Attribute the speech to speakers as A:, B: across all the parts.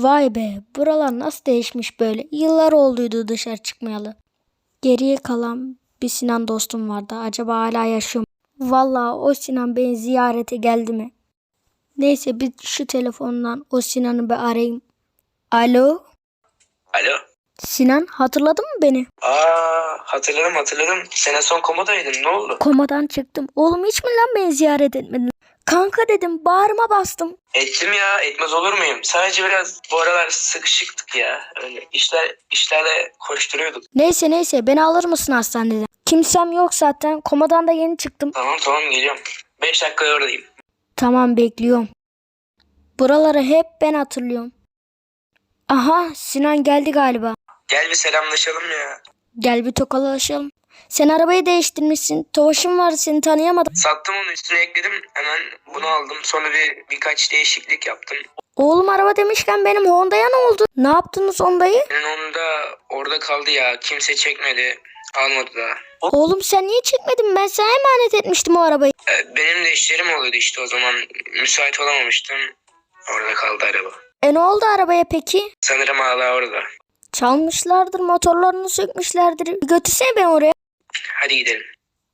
A: Vay be, buralar nasıl değişmiş böyle. Yıllar olduydu dışarı çıkmayalı. Geriye kalan bir Sinan dostum vardı. Acaba hala yaşıyor mu? Vallahi o Sinan beni ziyarete geldi mi? Neyse bir şu telefondan o Sinan'ı bir arayayım. Alo?
B: Alo.
A: Sinan, hatırladın mı beni?
B: Hatırladım. Sen en son komodaydın, ne oldu?
A: Komadan çıktım. Oğlum hiç mi lan beni ziyaret etmedin? Kanka dedim, bağrıma bastım.
B: Ettim ya, etmez olur muyum? Sadece biraz bu aralar sıkışıktık ya. Öyle işlerle koşturuyorduk.
A: Neyse beni alır mısın hastaneden? Kimsem yok zaten. Komadan da yeni çıktım.
B: Tamam geliyorum. 5 dakikaya oradayım.
A: Tamam, bekliyorum. Buraları hep ben hatırlıyorum. Aha, Sinan geldi galiba.
B: Gel bir selamlaşalım ya.
A: Gel bir tokalaşalım. Sen arabayı değiştirmişsin. Tofaşın vardı, seni tanıyamadım.
B: Sattım onu, üstüne ekledim. Hemen bunu aldım. Sonra birkaç değişiklik yaptım.
A: Oğlum, araba demişken benim Honda'ya ne oldu? Ne yaptınız Honda'yı?
B: Senin onu da orada kaldı ya. Kimse çekmedi. Almadı da.
A: Oğlum sen niye çekmedin? Ben sana emanet etmiştim o arabayı.
B: Benim de işlerim oluyordu işte o zaman. Müsait olamamıştım. Orada kaldı araba.
A: Ne oldu arabaya peki?
B: Sanırım hala orada.
A: Çalmışlardır, motorlarını sökmüşlerdir. Bir götürsene beni oraya.
B: Hadi gidelim.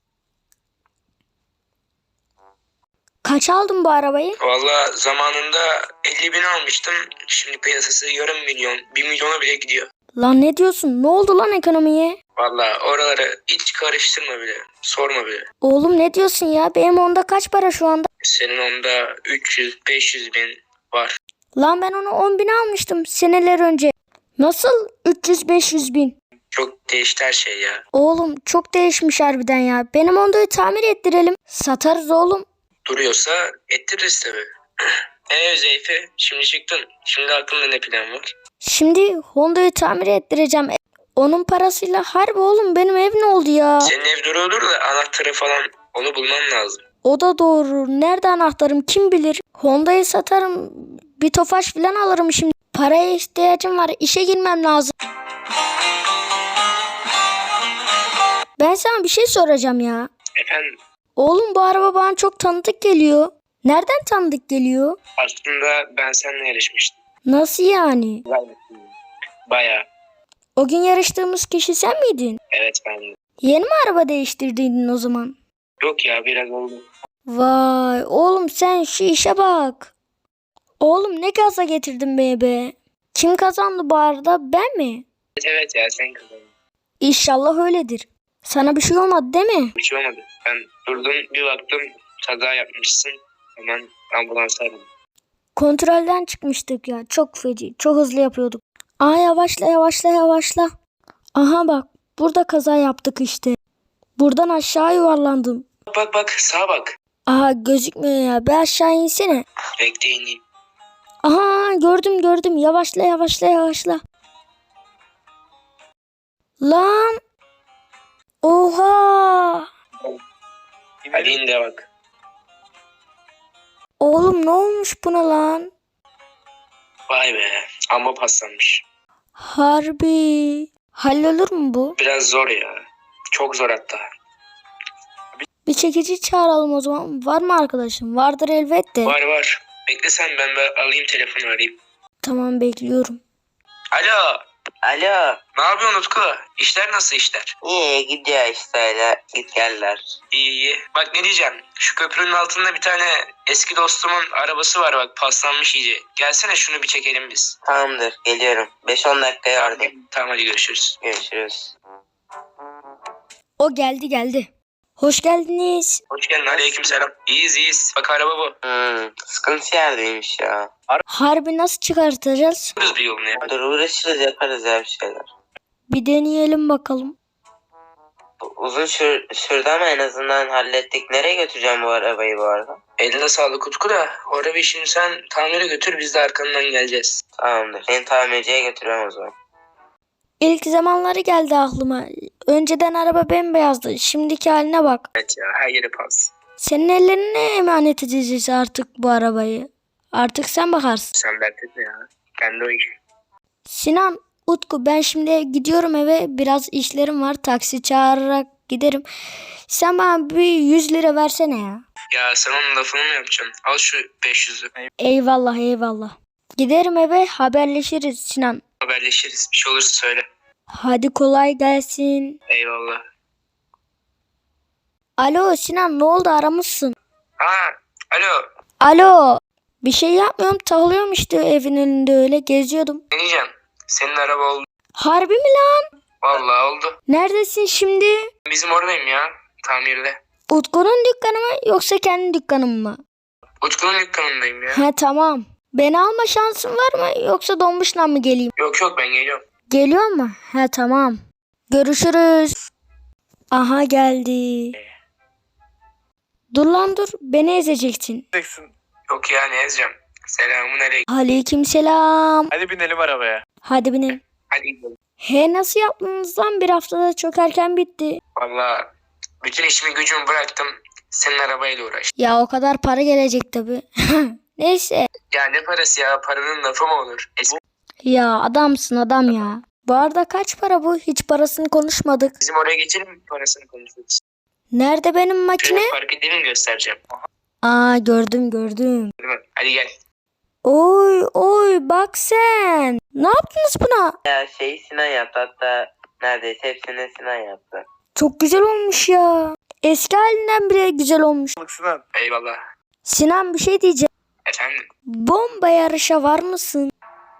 A: Kaç aldın bu arabayı?
B: Valla zamanında 50.000 almıştım. Şimdi piyasası yarım milyon, 1 milyona bile gidiyor.
A: Lan ne diyorsun? Ne oldu lan ekonomiye?
B: Valla oraları hiç karıştırma bile. Sorma bile.
A: Oğlum ne diyorsun ya? Benim Honda kaç para şu anda?
B: Senin onda 300-500 bin var.
A: Lan ben onu 10 bin almıştım seneler önce. Nasıl 300-500 bin?
B: Çok değişti her şey ya.
A: Oğlum çok değişmiş harbiden ya. Benim Honda'yı tamir ettirelim. Satarız oğlum.
B: Duruyorsa ettiririz tabii. Zeyfe, şimdi çıktın. Şimdi aklında ne plan var?
A: Şimdi Honda'yı tamir ettireceğim. Onun parasıyla harbi oğlum, benim ev ne oldu ya?
B: Senin ev duruyordur da anahtarı falan onu bulman lazım.
A: O da doğru. Nerede anahtarım kim bilir? Honda'yı satarım. Bir Tofaş falan alırım şimdi. Paraya ihtiyacım var. İşe girmem lazım. Ben sana bir şey soracağım ya.
B: Efendim?
A: Oğlum bu araba bana çok tanıdık geliyor. Nereden tanıdık geliyor?
B: Aslında ben seninle yarışmıştım.
A: Nasıl yani?
B: Bayağı.
A: O gün yarıştığımız kişi sen miydin?
B: Evet ben.
A: Yeni mi araba değiştirdiydin o zaman?
B: Yok ya, biraz oldu.
A: Vay oğlum, sen şu işe bak. Oğlum ne gaza getirdin beni be. Kim kazandı bu arada, ben mi?
B: Evet ya, sen kazandın.
A: İnşallah öyledir. Sana bir şey olmadı değil mi?
B: Bir şey olmadı. Ben durdum, bir baktım kaza yapmışsın. Hemen ambulans aradım.
A: Kontrolden çıkmıştık ya. Çok feci. Çok hızlı yapıyorduk. Aa, yavaşla. Aha bak. Burada kaza yaptık işte. Buradan aşağı yuvarlandım.
B: Bak sağa bak.
A: Aha, gözükmüyor ya. Bir aşağı insene.
B: Bekle ineyim.
A: Aha, gördüm. Yavaşla. Lan. Oha.
B: Hadi in de bak.
A: Oğlum ne olmuş buna lan?
B: Vay be, amma paslanmış.
A: Harbi. Hallolur mu bu?
B: Biraz zor ya. Çok zor hatta.
A: Bir çekici çağıralım o zaman. Var mı arkadaşım? Vardır elbette.
B: Var. Bekle sen, ben alayım telefonu, arayayım.
A: Tamam, bekliyorum.
B: Alo.
C: Alo.
B: Ne yapıyorsun Utku? İşler nasıl işler?
C: İyi gidiyor işte öyle git geller.
B: İyi. Bak ne diyeceğim. Şu köprünün altında bir tane eski dostumun arabası var bak, paslanmış iyice. Gelsene şunu bir çekelim biz.
C: Tamamdır geliyorum. 5-10 dakikaya oradayım.
B: Tamam hadi görüşürüz.
C: Görüşürüz.
A: O geldi. Hoş geldiniz.
B: Hoş geldin, aleykümselam. İyiyiz. Bak araba bu.
C: Sıkıntı yerdeymiş ya.
A: Harbi nasıl çıkartacağız?
B: Yaparız bir yolunu ya.
C: Dur uğraşırız yaparız ya bir şeyler.
A: Bir deneyelim bakalım.
C: Uzun sürdü ama en azından hallettik. Nereye götüreceğim bu arabayı bu arada?
B: Eline sağlık Utku da. O arabayı şimdi sen tamire götür, biz de arkandan geleceğiz.
C: Tamamdır. Seni tamirciye götürüyorum o zaman.
A: İlk zamanları geldi aklıma. Önceden araba bembeyazdı. Şimdiki haline bak.
B: Evet ya, her yeri pas.
A: Senin ellerine emanet edeceğiz artık bu arabayı. Artık sen bakarsın.
B: Sen dert etme ya. Kendi o iş.
A: Sinan, Utku, ben şimdi gidiyorum eve. Biraz işlerim var. Taksi çağırarak giderim. Sen bana bir 100 lira versene ya.
B: Ya sen onun lafını mı yapacaksın? Al şu 500'ü.
A: Eyvallah. Giderim eve, haberleşiriz Sinan.
B: Haberleşiriz. Bir şey olursa söyle.
A: Hadi kolay gelsin.
B: Eyvallah.
A: Alo Sinan, ne oldu, aramışsın?
B: Ha, alo.
A: Alo. Bir şey yapmıyorum, takılıyorum işte evin önünde, öyle geziyordum.
B: Ne diyeceğim? Senin araba oldu.
A: Harbi mi lan?
B: Vallahi oldu.
A: Neredesin şimdi?
B: Bizim oradayım ya. Tamirde.
A: Utku'nun dükkanı mı yoksa kendi dükkanın mı?
B: Utku'nun dükkanındayım ya.
A: Ha tamam. Beni alma şansın var mı yoksa Donmuş'la mı geleyim?
B: Yok ben geliyorum.
A: Geliyor mu? Ha tamam. Görüşürüz. Aha geldi. Dur lan dur. Beni ezeceksin.
B: Yok ya, ne yazacağım? Selamun aleyküm.
A: Aleykümselam.
D: Hadi binelim arabaya.
A: Hadi binelim.
B: Hadi gidelim.
A: He nasıl yaptınız lan? Bir haftada çok erken bitti.
B: Vallahi bütün işimi gücümü bıraktım. Senin arabayla uğraştım.
A: Ya o kadar para gelecek tabi. Neyse.
B: Ya ne parası ya? Paranın lafı mı olur?
A: Ya adamsın adam ya. Bu arada kaç para bu? Hiç parasını konuşmadık.
B: Bizim oraya geçelim mi, parasını konuşuruz?
A: Nerede benim makine?
B: Şöyle fark edelim, göstereceğim.
A: Aa gördüm.
B: Değil mi? Hadi gel.
A: Oy bak sen. Ne yaptınız buna?
C: Ya Sinan yaptı, hatta neredeyse hepsini Sinan yaptı.
A: Çok güzel olmuş ya. Eski halinden bile güzel olmuş.
D: Sinan.
B: Eyvallah.
A: Sinan bir şey diyeceğim.
B: Efendim?
A: Bomba yarışa var mısın?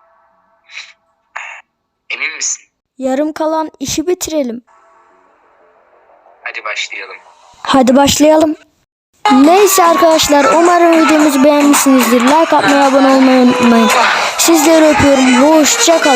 B: Emin misin?
A: Yarım kalan işi bitirelim.
B: Hadi başlayalım.
A: Hadi başlayalım. Neyse arkadaşlar, umarım videomuzu beğenmişsinizdir. Like atmayı, abone olmayı unutmayın. Sizleri öpüyorum. Hoşça kalın.